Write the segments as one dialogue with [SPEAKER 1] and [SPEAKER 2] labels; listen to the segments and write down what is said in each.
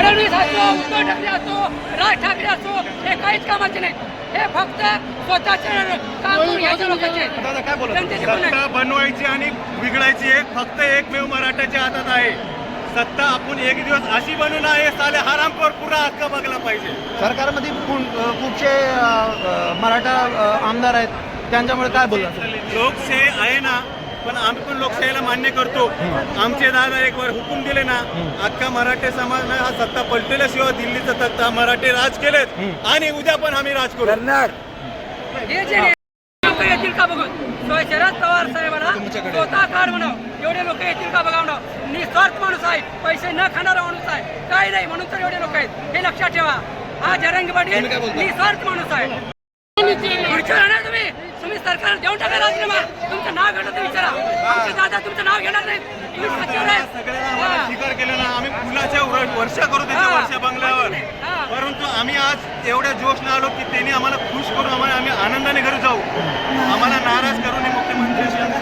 [SPEAKER 1] फडणवीस असो, उद्धव ठाकरे असो, राज ठाकरे असो, हे काहीच कामाचे नाही. हे फक्त स्वतःचे काम करून घ्यायचे लोकांचे. जनतेचे पण नाही.
[SPEAKER 2] सत्ता बनवायची आणि बिघडायची फक्त एकमेव मराठ्याच्या हातात आहे. सत्ता आपण एक दिवस अशी बनवून आहे साले हरामखोर पुरा हक्क बघला पाहिजे.
[SPEAKER 3] सरकारमध्ये खूपशे मराठा आमदार आहेत, त्यांच्यामुळे काय बोलला?
[SPEAKER 2] लोकशाही आहे ना, पण आम्ही पण लोकशाहीला मान्य करतो. आमचे दादा एक वर हुकूम दिले ना, अख्खा मराठी समाज हा सत्ता पलटल्याशिवाय दिल्लीचा तख्ता मराठी राज केलेत आणि उद्या पण आम्ही राज करू.
[SPEAKER 1] हे जे लोक येतील का बघून, शरद पवार साहेबांना स्वतः कार्ड म्हणावं, एवढे लोक येतील का बघा म्हणावं. निस्वार्थ माणूस आहे, पैसे न खाणारा माणूस आहे, काही नाही म्हणून तर एवढे लोक आहेत. हे लक्षात ठेवा. हा जरंगी पाटील निस्वार्थ माणूस आहे. खुर्चीवर राहणार तुम्ही सरकार देऊन टाका राजीनामा. तुमचं नाव घेणार तर विचारा. आमचे दादा तुमचं नाव घेणार नाही. तुम्ही सत्तेवर आहे.
[SPEAKER 2] सगळ्यांना स्वीकार केलं ना, आम्ही फुलाच्या वर्षा करू त्याच्या वर्षा बंगल्यावर. परंतु आम्ही आज एवढ्या जोशनं आलो की त्यांनी आम्हाला खुश करून आम्ही आनंदाने घरी जाऊ. आम्हाला नाराज करू नये मुख्यमंत्री.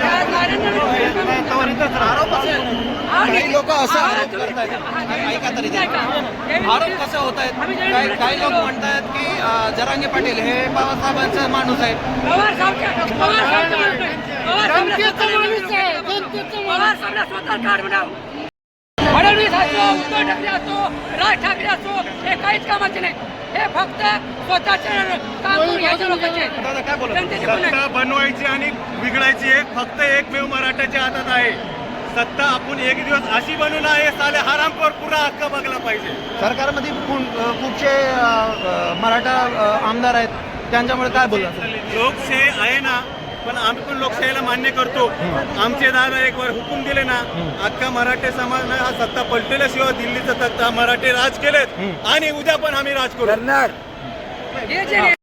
[SPEAKER 3] काही लोक असं आरोप करतायत, ऐका तरी आरोप कसे होत आहेत? काही लोक म्हणतात की जरांगे पाटील हे बाबासाहेबांचा माणूस आहे.
[SPEAKER 1] पवार स्वतः कार्ड म्हणावं. फडणवीस असो, उद्धव ठाकरे असो, राज ठाकरे असो, हे काहीच कामाचे नाही. हे फक्त स्वतःचे काम करून घ्यायचे लोकांचे. जनतेचे पण नाही.
[SPEAKER 2] सत्ता बनवायची आणि बिघडायची फक्त एकमेव मराठ्याच्या हातात आहे. सत्ता आपण एक दिवस अशी बनवून आहे साले हरामखोर पुरा हक्क बघला पाहिजे.
[SPEAKER 3] सरकारमध्ये खूपशे मराठा आमदार आहेत, त्यांच्यामुळे काय बोलला?
[SPEAKER 2] लोकशाही आहे ना, पण आम्ही पण लोकशाहीला मान्य करतो. आमचे दादा एक वर हुकूम दिले ना, अख्खा मराठी समाज हा सत्ता पलटल्याशिवाय दिल्लीचा तख्ता मराठी राज केलेत आणि उद्या पण आम्ही राज करू.
[SPEAKER 1] हे जे